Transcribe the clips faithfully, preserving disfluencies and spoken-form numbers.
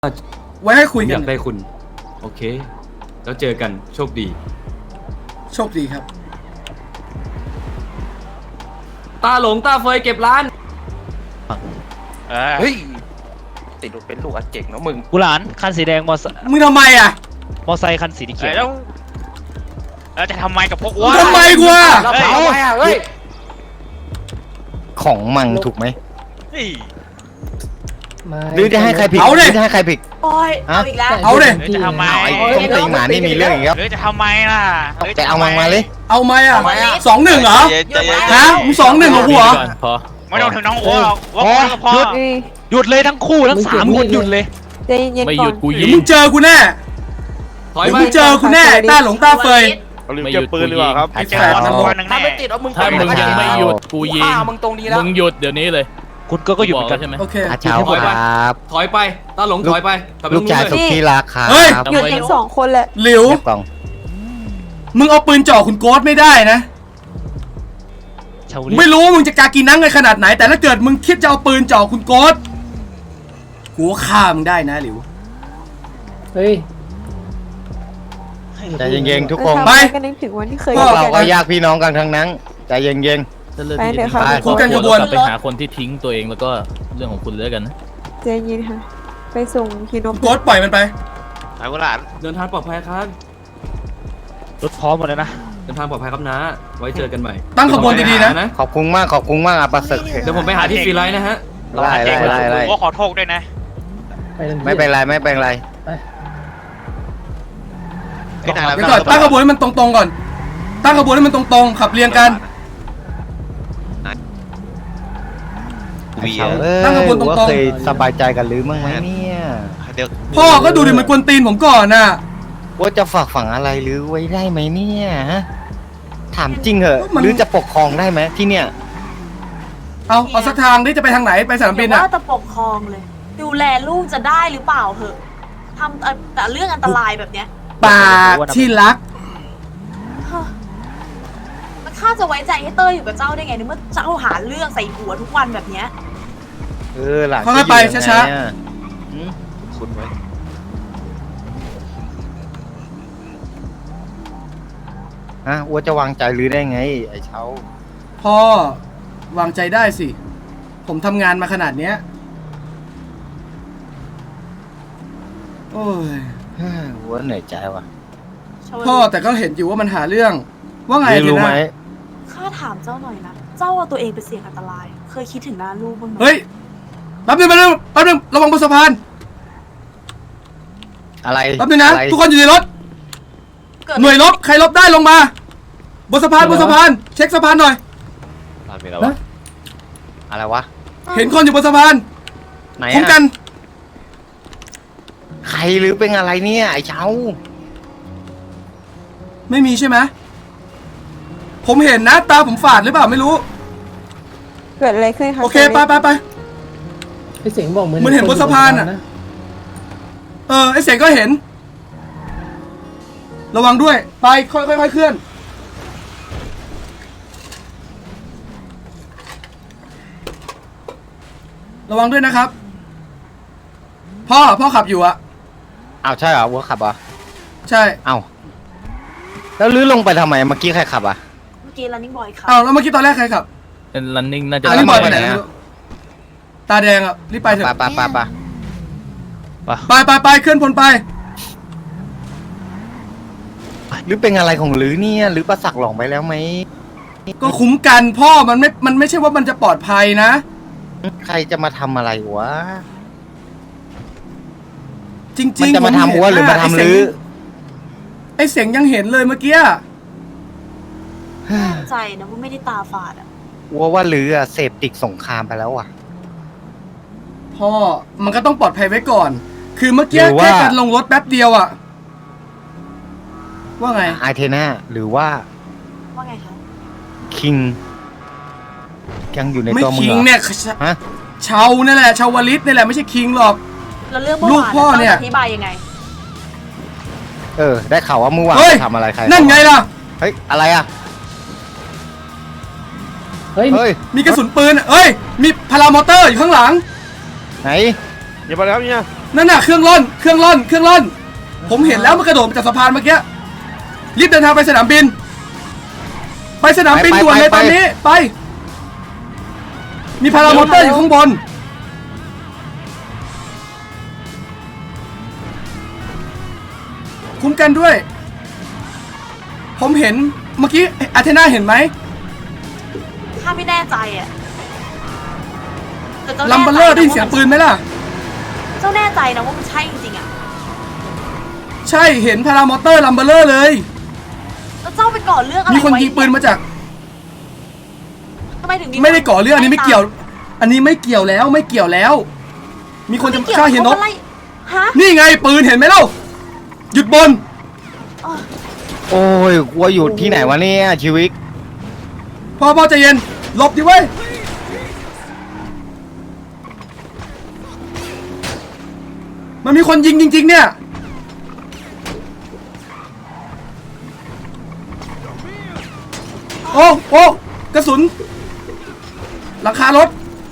ไว้ให้คุยกันอยากได้คุณโอเคแล้วเจอกันโชคดีโชคดีครับตาหลงตาเฟยเก็บร้านเฮ้ยติดรถเป็นลูกอาเจ๋งเนาะมึงกูหลานคันสีแดงมอไซค์มึงทำไมอ่ะมอไซค์คันสีเขียวแล้วแล้วจะทำไมกับพวกมึงทำไมกูอ่ะทำไมอ่ะเฮ้ยของมังถูกไหมหหรือจะให้ใครผิดเอาเลยจะให้ใครผิดโอ้ยเอาอีกแล้วเอาเลยจะทำไมไอ้ต้มตีหมานี่มีเรื่องอีกครับหรือจะทำไมล่ะแต่เอามังมาเลยเอาไหมอ่ะสองหนึ่งเหรอฮะมึงสองหนึ่งเหรอกูเหรอไม่ต้องถึงน้องโอ้หรอกว่าก็พอหยุดเลยทั้งคู่ทั้งสามคนหยุดเลยใจเย็นๆก่อนไม่หยุดกูยิงมึงเจอกูแน่ถอยมึงเจอกูแน่ตาหลงตาเฟยเอาลืมเก็บปืนหรือเปล่าครับเจอสักวันหนึ่งแน่ถ้าไม่ติดเอามึงถ้ามึงยังไม่หยุดกูยิงมึงตรงนี้แล้วมึงหยุดเดี๋ยวนี้เลยคุณก็ก็หยุดเหมือนกันใช่ไหมโอเคอาเช้าครับถอยไปตาหลงถอยไปลูกชายสุดที่รักครับหยุดทั้งสองคนแหละหลิวมึงเอาปืนจ่อคุณโก๊ตไม่ได้นะไม่รู้มึงจะกากีนังกันขนาดไหนแต่ถ้าเกิดมึงคิดจะเอาปืนจ่อคุณโก๊ตกูฆ่ามึงได้นะหลิวเฮ้ยใจเย็นๆทุกคนไปก็นึกถึงวันที่เคยพวกเราก็ญาติพี่น้องกันทั้งนั้นใจเย็นๆไปเดี๋ยวค่ะคุยกันกระบวนไปหาคนที่ทิ้งตัวเองแล้วก็เรื่องของคุณเลยกันนะใจเย็นค่ะไปส่งฮิโนโก๊ตปล่อยมันไปไอ้กุหลาบเดินทางปลอดภัยครับรถพร้อมหมดแล้วนะเดินทางปลอดภัยครับนะไว้เจอกันใหม่ตั้งขบวนดีๆนะขอบคุณมากขอบคุณมากอาปัสสึกเดี๋ยวผมไปหาที่ฟรีไลน์นะฮะไล่ไล่ไล่ไล่ก็ขอโทษด้วยนะไม่เป็นไรไม่เป็นไรเดี๋ยวก่อนตั้งขบวนให้มันตรงๆก่อนตั้งขบวนให้มันตรงๆขับเรียงกันตั้งขบวนตรงๆเคยสบายใจกันหรือมั้งไหมเนี่ยพ่อก็ดูดิมันกวนตีนผมก่อนน่ะว่าจะฝากฝังอะไรหรือไว้ได้ไหมเนี่ยถามจริงเหอะหรือจะปกครองได้ไหมที่เนี่ยเอาเอาสักทางนี่จะไปทางไหนไปสนามบินอ่ะว่าจะปกครองเลยดูแลลูกจะได้หรือเปล่าเหอะทำแต่เรื่องอันตรายแบบเนี้ยปากที่รักมันข้าจะไว้ใจให้เต้ยอยู่กับเจ้าได้ไงในเมื่อเจ้าหาเรื่องใส่หัวทุกวันแบบเนี้ยเออหลังค่อยๆไปช้าๆคุณไว้ฮะว่าจะวางใจหรือได้ไงไอ้เช้าพ่อวางใจได้สิผมทำงานมาขนาดเนี้ยโอ้ยว่าเหนื่อยใจว่ะพ่อแต่ก็เห็นอยู่ว่ามันหาเรื่องว่าไงรู้ไหมข้าถามเจ้าหน่อยนะเจ้าเอาตัวเองไปเสี่ยงอันตรายเคยคิดถึงหน้าลูกบ้างไหมเฮ้ยแป๊บนึงแป๊บนึงแป๊บนึงระวังบนสะพานอะไรแป๊บนึงนะทุกคนอยู่ในรถหน่วยลบใครลบได้ลงมาบนสะพานบนสะพานเช็คสะพานหน่อยอะไรวะเห็นคนอยู่บนสะพานไหนคุ้มกันใครหรือเป็นอะไรเนี่ยไอ้เช้าไม่มีใช่ไหมผมเห็นนะตาผมฝาดหรือเปล่าไม่รู้เกิดอะไรขึ้นคะโอเคไปไปไปไอเสียงบอกเหมือนเหมือนเห็นบนสะพานอ่ะเออไอเสียงก็เห็นระวังด้วยไปค่อยค่อยเคลื่อนระวังด้วยนะครับพ่อพ่อขับอยู่อะอ้าวใช่เหรอวัวขับอ่ะใช่อ้าวแล้วลื้อลงไปทำไมเมื่อกี้ใครขับอ่ะเมื่อกี้ running boy ขับอ้าวแล้วเมื่อกี้ตอนแรกใครขับเป็น running น่าจะ running boy ไปไหนตาแดงอ่ะรีบไปเถอะไปไปไปไปไปไปเคลื่อนพลไปหรือเป็นอะไรของหรือเนี่ยหรือประสักหลงไปแล้วไหมก็คุ้มกันพ่อมันไม่มันไม่ใช่ว่ามันจะปลอดภัยนะใครจะมาทำอะไรวะจริงๆมันจะมาทำวัวหรือมาทำหรือไอเสียงยังเห็นเลยเมื่อกี้ใจนะว่าไม่ได้ตาฝาดอ่ะวัวว่าหรืออะเสพติดสงครามไปแล้วอ่ะพ่อมันก็ต้องปลอดภัยไว้ก่อนคือเมื่อกี้แค่การลงรถแป๊บเดียวอ่ะว่าไงไอเทน่าหรือว่าว่าไงคะคิงยังอยู่ในตัวมึงเหรอไม่คิงเนี่ยฮะชาวนี่แหละชาววลิตนี่แหละไม่ใช่คิงหรอกแล้วเรื่องลูกพ่อเนี่ยอธิบายยังไงเออได้ข่าวว่าเมื่อวานทำอะไรใครนั่นไงล่ะเฮ้ยอะไรอ่ะเฮ้ยมีกระสุนปืนเฮ้ยมีพารามอเตอร์อยู่ข้างหลังไหนอย่าไปแล้วเนี่ยนั่นน่ะเครื่องร่อนเครื่องร่อนเครื่องร่อนผมเห็นแล้วมันกระโดดมาจากสะพานเมื่อกี้รีบเดินทางไปสนามบินไปสนามบินด่วนเลยตอนนี้ไปมีพารามอเตอร์อยู่ข้างบนคุ้มกันด้วยผมเห็นเมื่อกี้อาเทนาเห็นไหมข้าไม่แน่ใจอ่ะแต่เจ้าลัมเบอร์เลอร์ได้ยินเสียงปืนไหมล่ะเจ้าแน่ใจนะว่ามันใช่จริงๆอ่ะใช่เห็นพารามอเตอร์ลัมเบอร์เลอร์เลยแล้วเจ้าไปก่อเรื่องอะไรมีคนไว้ยิงปืนมาจากทำไมถึงไม่ได้ก่อเรื่องอันนี้ไม่เกี่ยว อันนี้ไม่เกี่ยวแล้วไม่เกี่ยวแล้ว มีคนจะฆ่าเฮียนกฮะนี่ไงปืนเห็นไหมเล่าหยุดบนโอ้ยกลัวอยู่ที่ไหนวะเนี่ยชีวิตพ่อพ่อใจเย็นหลบดิเว้ยมันมีคนยิงจริงๆเนี่ยโอ้โอ้กระสุนหลังคารถ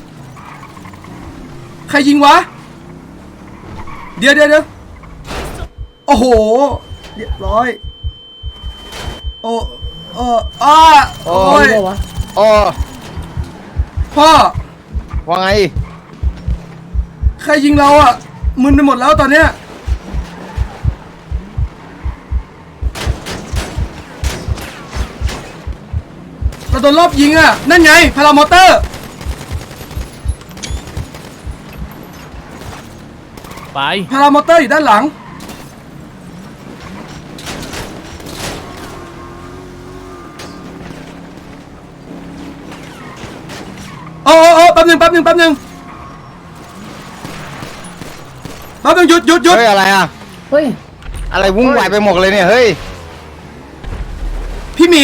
ใครยิงวะเดี๋ยวเดี๋ยวเดี๋ยวโอ้โหเรียบร้อยโอ้โอ้อ้าโอ้ยรู้ปะวะโอ้พ่อว่าไงใครยิงเราอ่ะมึนไปหมดแล้วตอนเนี้ยเราโดนรอบยิงอ่ะนั่นไงพารามอเตอร์ไปพารามอเตอร์อยู่ด้านหลังโอ้โอ้โอ้แป๊บหนึงแป๊บหนึงแป๊บหนึงแป๊บหนึงหยุดหยุดหยุดเฮ้ยอะไรอ่ะเฮ้ยอะไรวุ่นวายไปหมดเลยเนี่ยเฮ้ยพี่หมี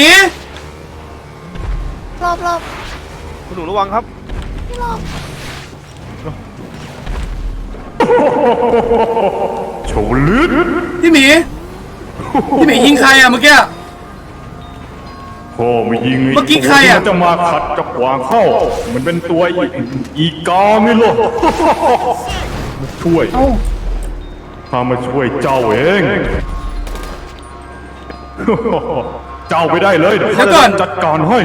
รอบรอบคุณหนูระวังครับพี่รอบโฉลืดพี่หมีพี่หมียิงใครอ่ะเมื่อกี้พ่อไม่ยิงเมื่อกี้ใครอะมันจะมาขัดจะขวางเข้า มันเป็นตัวอีอีกาไงล่ะมาช่วยเอ้าข้ามาช่วยเจ้าเอง เจ้าไปได้เลยเดี๋ยวข้าจะจัดการให้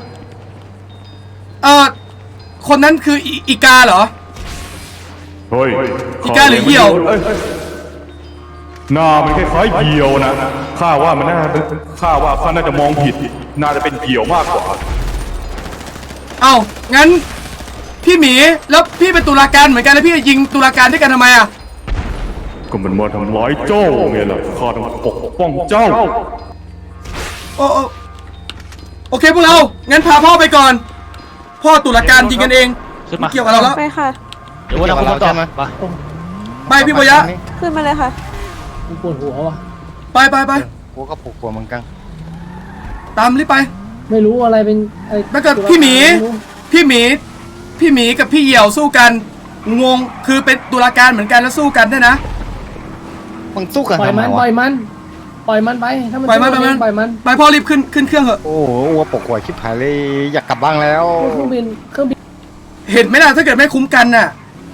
เอ่อคนนั้นคืออีอีกาเหรอเฮ้ยอีกาหรือเหยี่ยวอ้หน้ามันคล้ายๆเหยี่ยวนะข้าว่ามันน่าเป็นข้าว่าข้าน่าจะมองผิด น่าจะเป็นเหยี่ยวมากกว่าเอ้างั้นพี่หมีแล้วพี่เป็นตุลาการเหมือนกันแล้วพี่จะยิงตุลาการด้วยกันทำไมอ่ะก็มันมาทำร้ายเจ้าไงล่ะข้าต้องปกป้องเจ้าโอ้โอ้โอเคพวกเรางั้นพาพ่อไปก่อน พ่อตุลาการยิงกันเองขึ้นไม่มาเกี่ยวกับเราแล้วไปค่ะเดี๋ยววันนั้นคุณต่อมาไปพี่ปยะขึ้นมาเลยค่ะกูปวดหัวว่ะไปไปไปกูก็ปลุกหัวเหมือนกันตามรีบไปไม่รู้อะไรเป็นไอ้แล้วก็พี่หมีไรู้พี่หมีพี่หมีกับพี่เหยี่ยวสู้กันงงคือเป็นตุลาการเหมือนกันแล้วสู้กันด้วยนะมึงสู้กันปล่อยทำไมมันปวะล่อยมันปล่อยมันไปถ้ามันปล่อยมันสู้ปล่อยมันปล่อยมันไปพ่อรีบขึ้นขึ้นเครื่องเถอะโอ้โหวัวปกหัวชิบหายเลยอยากกลับบ้านแล้วเครื่องบินเครื่องบินเห็นไหมล่ะถ้าเกิดไม่คุ้มกันน่ะ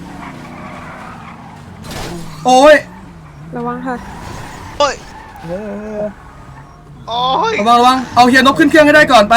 โอ้ยระวังค่ะโอ้ยโอ้ยระวังระวังเอาเฮียนกขึ้นเครื่องให้ได้ก่อนไป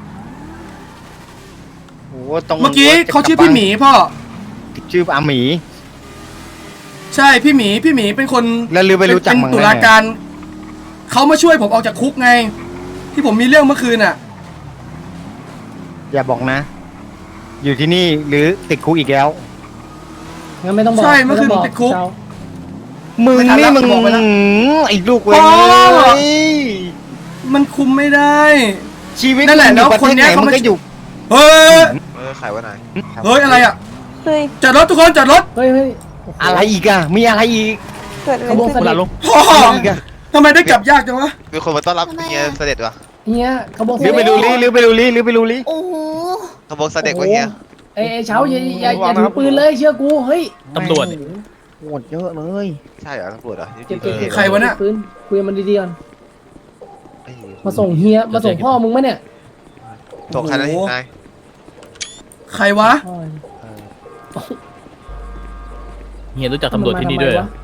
โอ้โหตรงเมื่อกี้เขาชื่อพี่หมีพ่อชื่ออาหมีใช่พี่หมีพี่หมีเป็นคนแล้วลือไปรู้จักเป็นมั้งตุลาการเขามาช่วยผมออกจากคุกไง ที่ผมมีเรื่องเมื่อคืนน่ะอย่าบอกนะ อยู่ที่นี่หรือติดคุกอีกแล้วงั้นไม่ต้องบอกใช่เมื่อคืนไต้งบติดคุกเจ้ามึงไม่ทันนี่แล้วมึงบอกไปแล้วไอ้ลูกเว้ยพ่อ มันคุมไม่ได้ชีวิตนั่นแหละมึงอยู่แล้วประคนเทศเนี้ไหนยเขามึงมาก็อยู่เฮ้ยเออไขไว้ไหนเฮ้ยอะไรอ่ะเฮ้ยจอดรถทุกคนจอดรถเฮ้ยเฮ้ยโโหอะไรอีกอะมีอะไรอีกเกิดอะไรขบวนเสขึ้นด็จลงพ่ออะไรอีกอะทำไมได้กลับยากจังวะมีคนมาต้อนรับเฮียเสด็จวะเฮียขบวนเสหรือด็จไปดูลิหรือไปดูลิหรือไปดูลิโอ้โหขบวนเสด็จวะเฮียไอ้ไอ้เช้าอย่าอย่าอย่าถือปืนเลยเชื่อกูเฮ้ยตำรวจเนี่ยโหดเยอะเลยใช่เหรอตำรวจเหรอเก็บเก็บเก็บใครวะเนี่ยปืนคุยกับมันดีๆก่อนเอ้ยมาส่งเฮียมาส่งพ่อมึงไหมเนี่ยส่งใครนะนายใครวะพ่อเฮียรู้จักตำรวจที่นี่ด้วยเหรอ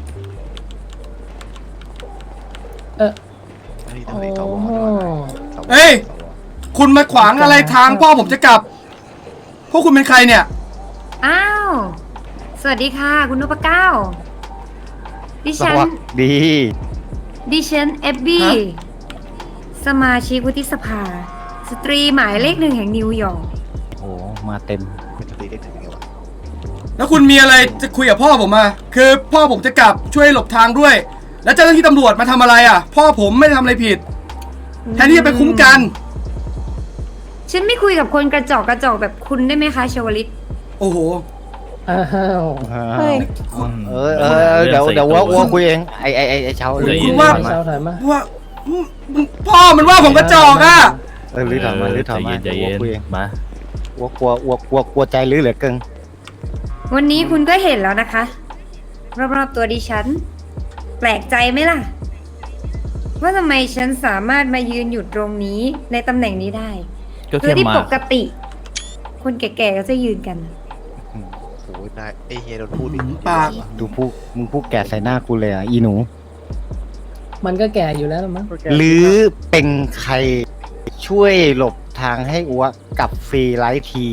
เออเฮ้ยโอ้ทำไมสวโหสวเฮ้ยสวคุณมาขวางอะไรทางพ่อผมจะกลับ พวกคุณเป็นใครเนี่ยอ้าว สวัสดีค่ะ คุณนพเก้า ดิสฉันวัสดีดิฉันเอบบี้ฮะสมาชิกวุฒิสภา สตรีหมายเลขหนึ่งแห่งนิวยอร์กโอ้มาเต็มเป็นสตรีได้ถึงยังไงวะแล้วคุณมีอะไรจะคุยกับพ่อผมมา คือพ่อผมจะกลับช่วยหลบทางด้วย แล้วเจ้าหน้าที่ตำรวจมาทำอะไรอ่ะ พ่อผมไม่ได้ทำอะไรผิด แทนที่จะไปคุ้มกันฉันไม่คุยกับคนกระจอกกระจอกแบบคุณได้ไหมคะชวลิตโอ้โหอ้าวเฮ้ยเออเออเออเดี๋ยวเดี๋ยวว่าว่าคุยเองไอไอไอไอเช้าใจเย็นคุณว่าเช้าถอยมาว่ามึงพ่อมันว่าผมกระจอกอ่ะเออหรือถามมาหรือถามมาใจเย็นดี๋วใจคุยเย็เอน งมาวัวกลัววัวกลัวกลัวใจหรือเหลือเกินวันนี้คุณก็เห็นแล้วนะคะ รอบๆตัวดิฉัน แปลกใจไหมล่ะ ว่าทำไมฉันสามารถมายืนอยู่ตรงนี้ในตำแหน่งนี้ได้ก็คือแค่ที่มาปกติ คนแก่ๆก็จะยืนกันโอ้ยนายไอเฮียโดนพูดดิปากดูพูมึงพูดแก่ใส่หน้ากูเลยอ่ะอีหนูมันก็แก่อยู่แล้วมั้งหรือเป็นใครช่วยหลบทางให้อัวกับฟรีไลท์ที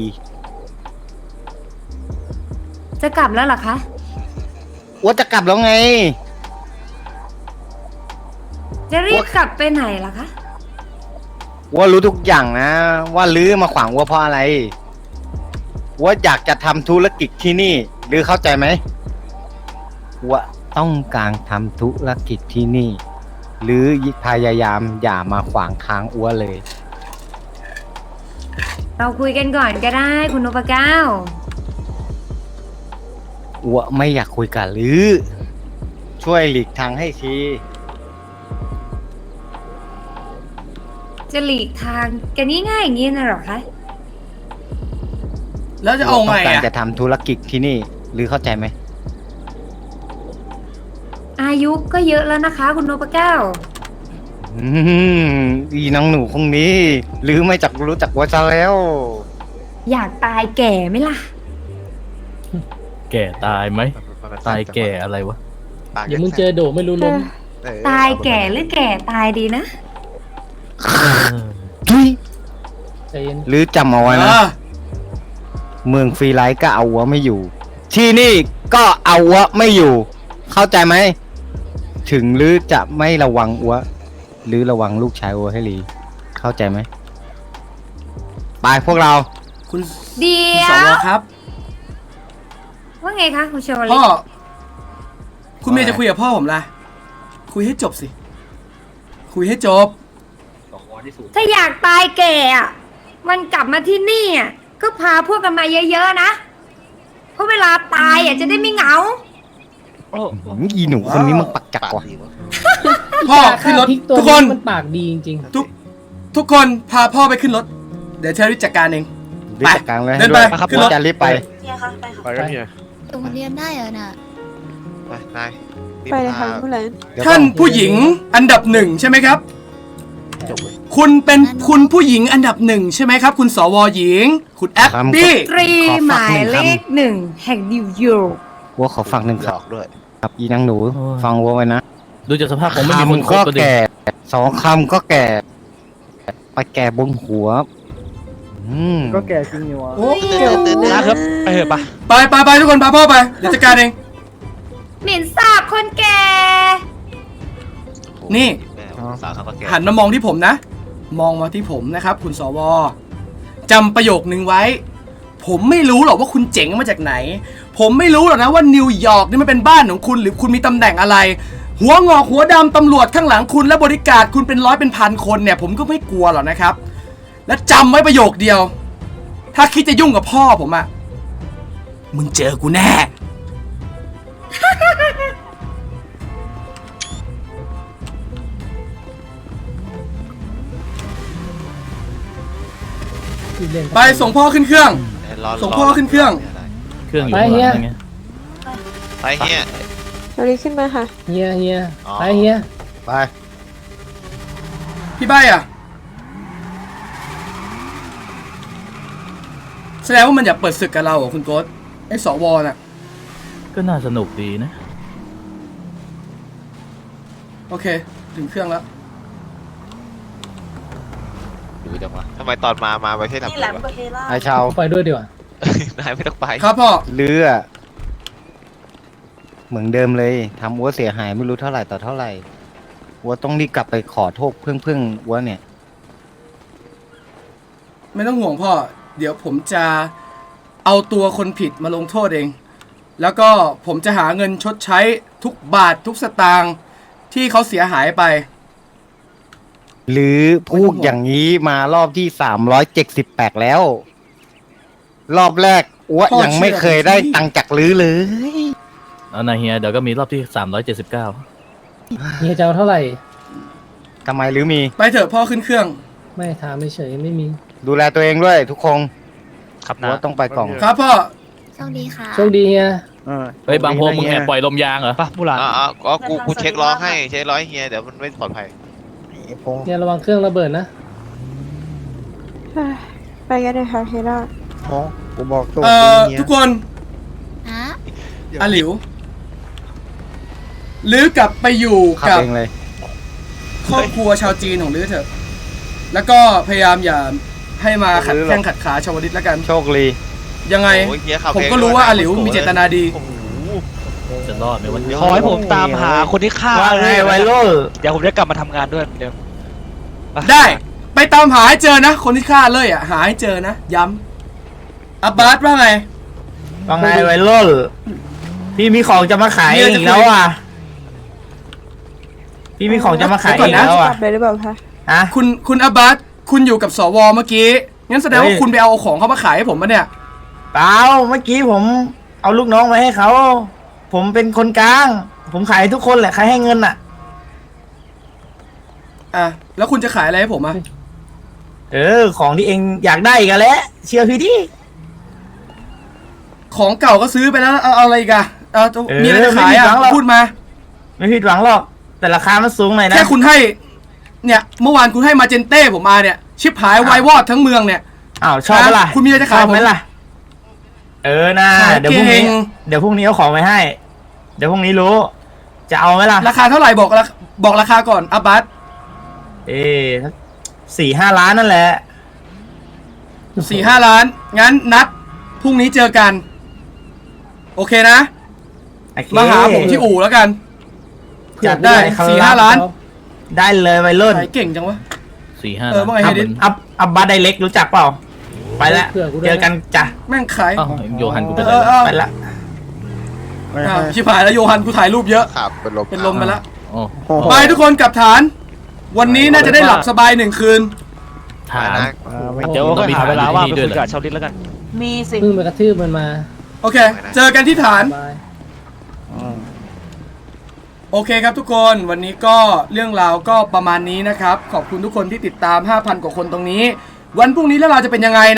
จะกลับแล้วเหรอคะอัวจะกลับแล้วไงจะรีบกลับไปไหนล่ะคะว่ารู้ทุกอย่างนะ ว่าลื้อมาขวางวัวเพราะอะไรว่าอยากจะทำธุรกิจที่นี่หรือเข้าใจไหมว่าต้องการทำธุรกิจที่นี่ หรือพยายามอย่ามาขวางทางอัวเลยเราคุยกันก่อนก็ได้คุณนพเก้าอัวไม่อยากคุยกันหรือ ช่วยหลีกทางให้ทีจะหลีกทางกันง่ายๆอย่างนี้นะเหรอคะแล้วจะเอาไงต้องการอ่ะจะทำธุรกิจที่นี่ หรือเข้าใจไหมอายุก็เยอะแล้วนะคะ คุณนพเก้าอืมอีน้องหนูคงนี้ หรือไม่จักรู้จักว่าจะแล้วอยากตายแก่ไหมล่ะแก่ตายไหมมันตายแก่อะไรวะปากเดี๋ยวมึงเจอโดไม่รู้ล้มเออตายแก่หรือแก่ตายดีนะใจเย็นหรือจำเอาไว้นะอ่าเมืองฟรีไลท์ก็เอาวัวไม่อยู่ ที่นี่ก็เอาวัวไม่อยู่ เข้าใจไหม ถึงหรือจะไม่ระวังวัวหรือระวังลูกชายวัวให้ดีเข้าใจไหมไปพวกเราคุณเดี๋ยสววครับว่าไงคะคุณชวลิพ่อตคุณเมย์จะคุยกับพ่อผมล่ะ คุยให้จบสิ คุยให้จบถ้าอยากตายแก่อะมันกลับมาที่นี่อะก็พาพวกกันมาเยอะๆนะ เพราะเวลาตายอ่ะจะได้ไม่เหงาอีหนูคนนี้มันปักจักปากว่ะดีวะพ่อขึ้นรถพริกตัวทุกคนมันปากดีจริงทุกทุกคนพาพ่อไปขึ้นรถ เดี๋ยวเชอรี่จัดการเองรีบจัดการเลยเดินไปให้ด้วยขึ้นรถจะรีบไปเนี่ยค่ะไปค่ะไปกันเฮียโรงเรียนได้เหรอน่ะไปนายรีบไปเลยค่ะพาผู้แลนเดี๋ยวท่านก่อผู้หญิงอันดับหนึ่งใช่ไหมครับจบเลยคุณเป็นคุณผู้หญิงอันดับหนึ่งใช่ไหมครับ คุณสวหญิง คุณแอปปี้ตรีหมายเลขหนึ่งแห่งนิวยอร์กวัวขอฟังหนึ่งหคลรับอกด้วยครับอีนางหนูโอ้ยฟังวัวไว้นะดูจากสภาพผมไม่มีคนคำคบก็ก็ดิแก่สองคำก็แก่ ไปแก่บนหัว อืมก็แก่จริงอยู่วะโอ้นะครับไปเถอะปะไปไปไปทุกคนพาพ่อไป เดี๋ยวจัดการเองหมิ่นสาบคนแก่นี่แม่สาวเขาก็แก่หันมามองที่ผมนะ มองมาที่ผมนะครับ คุณสวจำประโยคนึงไว้ ผมไม่รู้หรอกว่าคุณเจ๋งมาจากไหน ผมไม่รู้หรอกนะว่านิวยอร์กนี่มันเป็นบ้านของคุณหรือคุณมีตำแหน่งอะไร หัวงอกหัวดำตำรวจข้างหลังคุณและบริการคุณเป็นร้อยเป็นพันคนเนี่ย ผมก็ไม่กลัวหรอกนะครับ และจำไว้ประโยคเดียว ถ้าคิดจะยุ่งกับพ่อผมอะมึงเจอกูแน่เล่นไปส่งพ่อขึ้นเครื่องรอส่งพ่อขึ้นเครื่องเครื่องอยู่ไปข้างหเฮียลังไงไปเฮียเดี๋ยวนี้ขึ้นมาค่ะเฮียเฮียอ๋อไปเฮียไปพี่ใบอะแสดงว่ามันอยากเปิดศึกกับเราเหรอคุณโก๊ตไอ้สวน่ะก็น่าสนุกดีนะโอเค ถึงเครื่องแล้วดูจังวะทำไมตอนมา มาไม่ใช่ทำนี่แหลมวะกับเฮล่าไอชาวไปด้วยดีกว่านายไม่ต้องไปครับพ่อลืออะเหมือนเดิมเลยทำอัวเสียหายไม่รู้เท่าไหร่ต่อเท่าไหร่อัวต้องรีบกลับไปขอโทษเพื่อนเพื่อนอัวเนี่ยไม่ต้องห่วงพ่อ เดี๋ยวผมจะเอาตัวคนผิดมาลงโทษเอง แล้วก็ผมจะหาเงินชดใช้ทุกบาททุกสตางค์ที่เขาเสียหายไปหรือพูดอย่างนี้มารอบที่สามร้อยเจ็ดสิบแปดแล้ว รอบแรกอัวพ่อยังไม่เคยได้ตังค์จากลือเลยเอานาเฮียเดี๋ยวก็มีรอบที่สามร้อยเจ็ดสิบเก้าเฮียจะเอาเท่าไหร่ทำไมลือมีไปเถอะพ่อขึ้นเครื่องไม่ถามไม่เฉยไม่มีดูแลตัวเองด้วยทุกคนครับอันะวต้องไปกล่องครับพ่อโชคดีค่ะโชคดีเฮียเฮ้ยบางโพมึงแอบปล่อยลมยางเหรอปะมูหลานอ๋ออ๋ออ๋อกู กูเช็คล้อให้ เช็คล้อให้เฮีย เดี๋ยวมันไม่ปลอดภัยเฮียระวังเครื่องระเบิดนะไปกันเลยค่ะเฮล่ากูบอกตัวเอ่อทุกคนฮะอาหลิวลื้อกลับไปอยู่ขับกับเองเลยครอบครัวชาวจีนของลื้อเถอะ แล้วก็พยายามอย่าให้มาขัดแข้งขัดขาชาวลิตแล้วกันโชคดียังไงโอ้ยเฮียขับผมเองก็รู้ด้วยว่านะอาหลิวมีเจตนาดีโอ้โหจะรอดไหมวันขอให้ผมตามหาคนที่ฆ่าว่าไงไวโรลเดี๋ยวผมจะกลับมาทำงานด้วยเหมือนเดิมปได้ ไปตามหาให้เจอนะ คนที่ฆ่าเลยอ่ะ หาให้เจอนะ ย้ำอับบาสว่าไงว่าไงไวโรลพี่มีของจะมาขายอีกแล้วอ่ะ พี่มีของจะมาขายอีกแล้วอ่ะกลับเลยหรือเปล่าคะฮะคุณคุณอับบาสคุณอยู่กับสวเมื่อกี้ งั้นแสดงว่าเฮ้ยคุณไปเอาของเขามาขายให้ผมปะเนี่ยเปล่าเมื่อกี้ผมเอาลูกน้องมาให้เขา ผมเป็นคนกลาง ผมขายให้ทุกคนแหละใครให้เงินอ่ะอ่ะ แล้วคุณจะขายอะไรให้ผมอ่ะเออ ของที่เองอยากได้กันแหละเชื่อพี่ดิของเก่าก็ซื้อไปแล้ว เอาเอาอะไรอีกอะเอาเออมีอะไรจะขายอ่ะไม่ผิดหวังหรอกพูดมาไม่ผิดหวังหรอก แต่ราคามันสูงหน่อยนะแค่คุณให้ เนี่ย เมื่อวานคุณให้มาเจนเต้ผมมาเนี่ย ชิบหายวายวอดทั้งเมืองเนี่ยอ้าวชอบปะล่ะคุณมีอะไรจะขายชอบไหมผมล่ะ เออนะขายเดี๋ยวพรุ่งนี้เก่งเดี๋ยวพรุ่งนี้เอาของไปให้ เดี๋ยวพรุ่งนี้รู้ จะเอาไหมล่ะราคาเท่าไหร่บอกราบอกราคาก่อนอับบาสเอ๊สี่ห้าล้านนั่นแหละสี่ห้าล้าน งั้นนัดพรุ่งนี้เจอกัน โอเคนะโอเคมาหาผมที่อู่แล้วกันจัดได้ครับสี่ห้าล้านได้เลยวัยรุ่นขายเก่งจังวะสี่ห้าเออว่าไงอัพเฮดิสอัพอัพบัตไดเล็กรู้จักเปล่า ไปแล้วเผื่อกูด้วยเจอกันจ้ะแม่งขายอ้าวโยฮันกูไปเอไหนอเออไปละอ้าวชิบหายแล้วโยฮันกูถ่ายรูปเยอะขับเป็นลมเป็นลมไปแล้วโอ้ไปทุกคนกลับฐาน วันนี้น่าจะได้หลับสบายหนึ่งคืนฐานนะเดี๋ยวก็หาเวลาว่างไปคุยกับชาวลิตแล้วกันมีสิเพิ่งไปกระทืบมันมาโอเค เจอกันที่ฐานบายโอเคครับทุกคนวันนี้ก็เรื่องราวก็ประมาณนี้นะครับ ขอบคุณทุกคนที่ติดตาม ห้าพัน กว่าคนตรงนี้ วันพรุ่งนี้แล้วเราจะเป็นยังไง